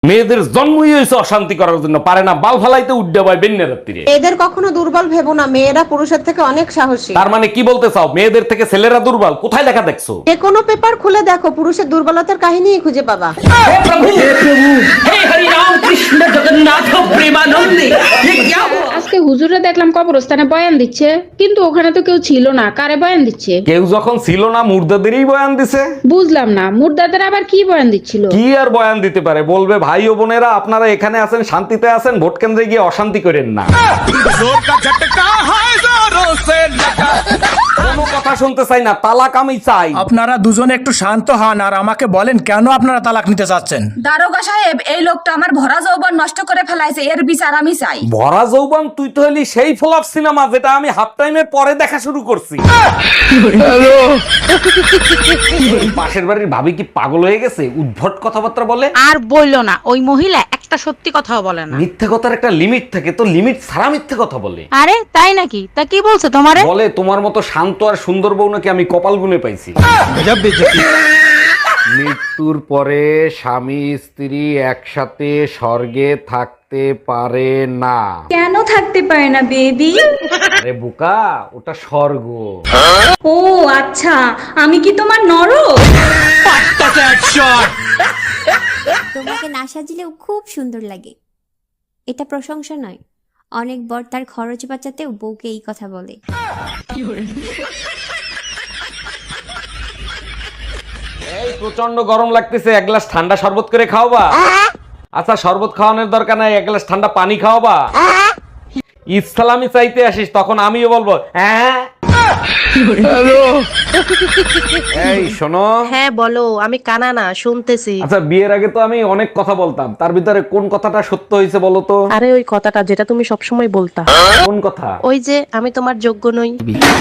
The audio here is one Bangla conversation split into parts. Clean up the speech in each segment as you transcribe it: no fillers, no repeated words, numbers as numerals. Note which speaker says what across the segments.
Speaker 1: মেয়েদের জন্মই হয়েছে অশান্তি করার জন্য, পারে না বাল ফালাইতে উড্ডে বয় বেন্যা রাত্রিরে।
Speaker 2: এদের কখনো দুর্বল ভেবো না, মেয়েরা পুরুষের থেকে অনেক সাহসী।
Speaker 1: তার মানে কি বলতে চাও, মেয়েদের থেকে ছেলেরা দুর্বল? কোথায় লেখা দেখছো?
Speaker 2: যে কোনো পেপার খুলে দেখো, পুরুষের দুর্বলতার কাহিনীই খুঁজে পাবা।
Speaker 3: আজকে হুজুরে দেখলাম কবরস্থানে বয়ান দিচ্ছে, কিন্তু ওখানে তো কেউ ছিল না। কারে বয়ান দিচ্ছে?
Speaker 1: কেউ যখন ছিল না মুর্দাদেরই বয়ান দিছে।
Speaker 3: বুঝলাম না, মুর্দাদের আবার কি বয়ান দিচ্ছিল?
Speaker 1: কি আর বয়ান দিতে পারে, বলবে ভাই ও বোনেরা আপনারা এখানে আছেন, শান্তিতে আছেন, ভোট কেন্দ্রে গিয়ে অশান্তি করেন না। কোনো কথা শুনতে চাই না, তালাক আমি চাই।
Speaker 4: আপনারা দুজনে একটু শান্ত হন আর আমাকে বলেন কেন আপনারা তালাক নিতে চাচ্ছেন।
Speaker 5: দারোগা সাহেব, এই লোকটা আমার ভরা যৌবন নষ্ট করে ফেলাইছে, এর বিচার আমি চাই।
Speaker 1: ভরা যৌবন? তুই তো হলি সেই ফ্লপ সিনেমা যেটা আমি হাফ টাইমের পরে দেখা শুরু করছি। পাশের বাড়ির ভাবি কি পাগল হয়ে গেছে? উদ্ভট কথাবার্তা বলে।
Speaker 6: আর বললো না, ওই মহিলা একটা সত্যি কথাও বলে না।
Speaker 1: মিথ্যে কথার একটা লিমিট থাকে, তো লিমিট ছাড়া মিথ্যে কথা বলে।
Speaker 6: আরে তাই নাকি? তা কি বলছে তোমারে?
Speaker 1: বলে তোমার মতো শান্ত আর সুন্দর বউ নাকি আমি কপাল গুনে পাইছি। মৃত্যুর পরে স্বামী স্ত্রী একসাথে স্বর্গে থাকতে পারে না।
Speaker 5: কেন থাকতে পারে না বেবি?
Speaker 1: আরে বোকা, ওটা স্বর্গ।
Speaker 5: ও আচ্ছা, আমি কি তোমার নরক?
Speaker 7: তোমাকে না সাজিলেও খুব সুন্দর লাগে। এটা প্রশংসা নয়, অনেক বর তার খরচ বাঁচাতেও বউকে এই কথা বলে।
Speaker 1: এই প্রচন্ড গরম লাগতেছে, এক গ্লাস ঠান্ডা শরবত করে খাওয়াবা? আচ্ছা শরবত খাওয়ানোর দরকার নাই, এক গ্লাস ঠান্ডা পানি খাওয়াবা? ইসলামি চাইতে আসিস তখন আমিও বলবো হ্যাঁ। এই শোনো।
Speaker 2: হ্যাঁ বলো, আমি কানা না, শুনতেছি।
Speaker 1: আচ্ছা বিয়ের আগে তো আমি অনেক কথা বলতাম, তার ভিতরে কোন কথাটা সত্য হয়েছে বলো তো?
Speaker 2: আরে ওই কথাটা যেটা তুমি সবসময় বলতা।
Speaker 1: কোন কথা?
Speaker 2: ওই যে আমি তোমার যোগ্য নই।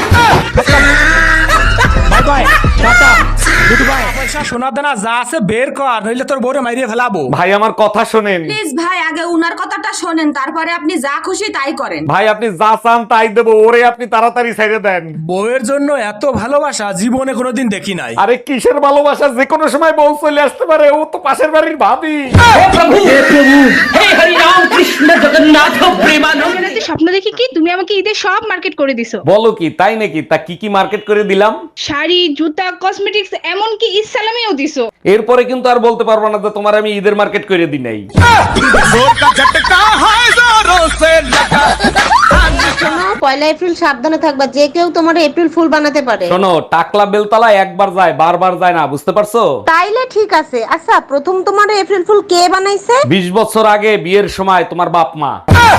Speaker 4: পয়সা সোনা দানা যা আছে বের কর, নইলে তোর বউরে মাইরিয়ে ফেলাবো।
Speaker 1: ভাই আমার কথা শোনেন।
Speaker 5: প্লিজ ভাই, আগে উনার কথাটা শোনেন, তারপরে আপনি যা খুশি তাই করেন।
Speaker 1: ভাই আপনি যা চান তাই দেবো, ওরে আপনি তাড়াতাড়ি ছেড়ে দেন।
Speaker 4: বউয়ের জন্য এত ভালোবাসা জীবনে কোনোদিন দেখি নাই।
Speaker 1: আরে কিসের ভালোবাসা, যে কোনো সময় বউ চলে আসতে পারে, ও তো পাশের বাড়ির ভাবি।
Speaker 3: স্বপ্ন দেখি কি তুমি আমাকে ঈদের সব মার্কেট করে দিছো।
Speaker 1: বলো কি, তাই নাকি? তা কি কি মার্কেট করে দিলাম?
Speaker 3: শাড়ি, জুতা, কসমেটিক্স, এমনকি ইসলামিও দিছো।
Speaker 1: এরপরে কিন্তু আর বলতে পারবো না যে তোমার আমি ঈদের মার্কেট করে দিই নাই।
Speaker 2: শোনো, 1 এপ্রিল সাবধানে থাকবা, যে কেউ তোমার এপ্রিল ফুল বানাতে পারে।
Speaker 1: শোনো, টাকলা বেলতলা একবার যায় বারবার যায় না, বুঝতে পারছো?
Speaker 2: তাইলে ঠিক আছে। আচ্ছা, প্রথম তোমার এপ্রিল ফুল কে বানাইছে?
Speaker 1: 20 বছর আগে বিয়ের সময় তোমার বাপ মা।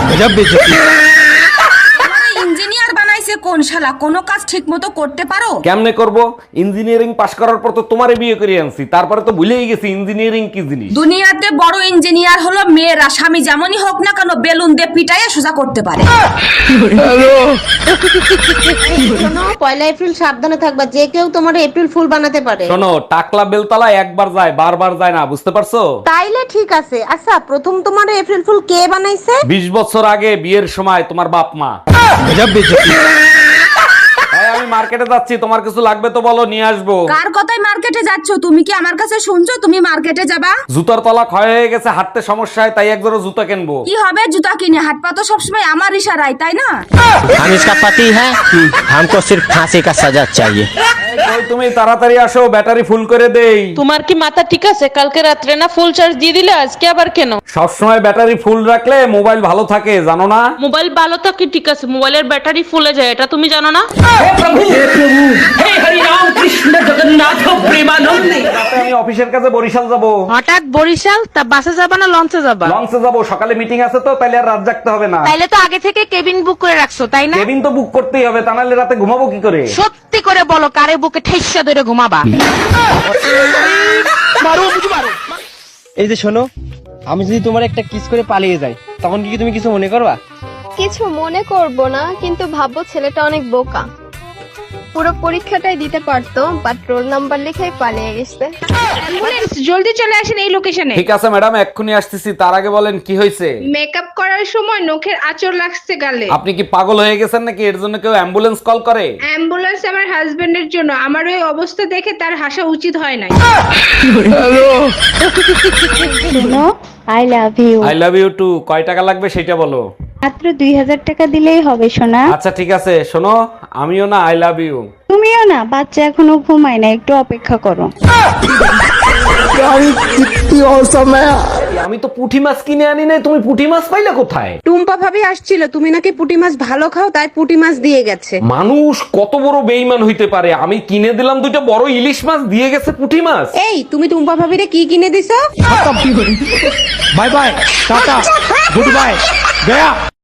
Speaker 5: ইঞ্জিনিয়ার বানাইছে কোন শালা? কোনো কাজ ঠিক মতো করতে পারো?
Speaker 1: কেমনে করব? ইঞ্জিনিয়ারিং পাশ করার পর তো তোমারে বিয়ে করে আনছি, তারপরে তো ভুলেই গেছি ইঞ্জিনিয়ারিং কি জিনিস।
Speaker 5: দুনিয়াতে বড় ইঞ্জিনিয়ার হলো মেয়েরা, স্বামী যেমনই হোক না কেন বেলুন দিয়ে পিটাইয়ে সোজা করতে পারে।
Speaker 2: শোনো, 1 এপ্রিল সাবধানে থাকবা, যে কেউ তোমার এপ্রিল ফুল বানাতে পারে।
Speaker 1: শোনো, টাকলা বেলতলা একবার যায় বারবার যায় না, বুঝতে পারছো?
Speaker 2: তাইলে ঠিক আছে। আচ্ছা, প্রথম তোমার এপ্রিল ফুল কে বানাইছে?
Speaker 1: 20 বছর আগে বিয়ের সময় তোমার বাপ মা। এই, আমি মার্কেটে যাচ্ছি, তোমার কিছু লাগবে তো বলো, নিয়ে আসবো।
Speaker 5: কার কথায় মার্কেটে যাচ্ছ? তুমি কি আমার কাছে শুনছো তুমি মার্কেটে যাবা?
Speaker 1: জুতার তলা ক্ষয় হয়ে গেছে, হাঁটতে সমস্যা হয়, তাই এক জোড়া জুতা কিনবো।
Speaker 5: কি হবে জুতা কিনে? হাট পা তো সবসময় আমার ইশারায়, তাই না?
Speaker 8: हम इसका पति है, हमको सिर्फ फांसी का सजा चाहिए।
Speaker 1: ওই তুমি তাড়াতাড়ি আসো, ব্যাটারি ফুল করে দেই।
Speaker 6: তোমার কি মাথা ঠিক আছে? কালকে রাত্রে না ফুল চার্জ দিয়ে দিলে, আজকে আবার কেন?
Speaker 1: সবসময় ব্যাটারি ফুল রাখলে মোবাইল ভালো থাকে, জানো না?
Speaker 6: মোবাইল ভালো তো কি ঠিক আছে, মোবাইলের ব্যাটারি ফুলে যায়, এটা তুমি জানো না?
Speaker 1: রাতে আমি অফিসের কাছে বরিশাল যাব।
Speaker 6: হঠাৎ বরিশাল? তা বাসে যাবা না লঞ্চে যাবা?
Speaker 1: লঞ্চে যাব, সকালে মিটিং আছে তো, তাইলে আর রাত জাগতে হবে না।
Speaker 6: তাইলে তো আগে থেকে কেবিন বুক করে রাখছো, তাই না?
Speaker 1: কেবিন তো বুক করতেই হবে, তা নাহলে রাতে ঘুমাবো কি করে?
Speaker 6: সত্যি করে বলো, কারে বুকে ঠেসা ধরে ঘুমাবা?
Speaker 8: এই যে শোনো, আমি যদি তোমার একটা কিস করে পালিয়ে যাই, তখন কি তুমি কিছু মনে করবা?
Speaker 9: কিছু মনে করব না, কিন্তু ভাববো ছেলেটা অনেক বোকা। পুরো পরীক্ষাটাই দিতে পারতো, বাট রোল নাম্বার লিখেই পালিয়ে গেছে।
Speaker 3: অ্যাম্বুলেন্স, জলদি চলে আসেন এই লোকেশনে।
Speaker 1: ঠিক আছে ম্যাডাম, এক্ষুনি আসতেছি। তার আগে বলেন কি হয়েছে?
Speaker 3: মেকআপ করার সময় নখের আঁচড় লাগছে গালে।
Speaker 1: আপনি কি পাগল হয়ে গেছেন নাকি? এর জন্য কেউ অ্যাম্বুলেন্স কল করে?
Speaker 3: অ্যাম্বুলেন্স আমার হাজবেন্ডের জন্য, আমার ওই অবস্থা দেখে তার হাসা উচিত হয় নাই।
Speaker 9: I love you.
Speaker 1: I love you too. কয় টাকা লাগবে সেটা বলো।
Speaker 9: মাত্র 2000 টাকা দিলেই হবে সোনা।
Speaker 1: আচ্ছা ঠিক আছে, শোনো, আমিও না আই লাভ ইউ।
Speaker 9: তুমিও না, বাচ্চা এখনো ঘুমায় না, একটু অপেক্ষা করো।
Speaker 1: আমি তো পুঁটি মাছ কিনে আনি নাই, তুমি পুঁটি মাছ পাইলে কোথায়?
Speaker 2: টুম্পা ভাবি আসছিল, তুমি নাকি পুঁটি মাছ ভালো খাও, তাই পুঁটি মাছ দিয়ে গেছে।
Speaker 1: মানুষ কত বড় বেইমান হইতে পারে! আমি কিনে দিলাম দুইটা বড় ইলিশ মাছ, দিয়ে গেছে পুঁটি মাছ।
Speaker 2: এই তুমি টুম্পা ভাবিরে কি কিনে দিছো?
Speaker 4: Bye bye, tata, good bye, Gaya.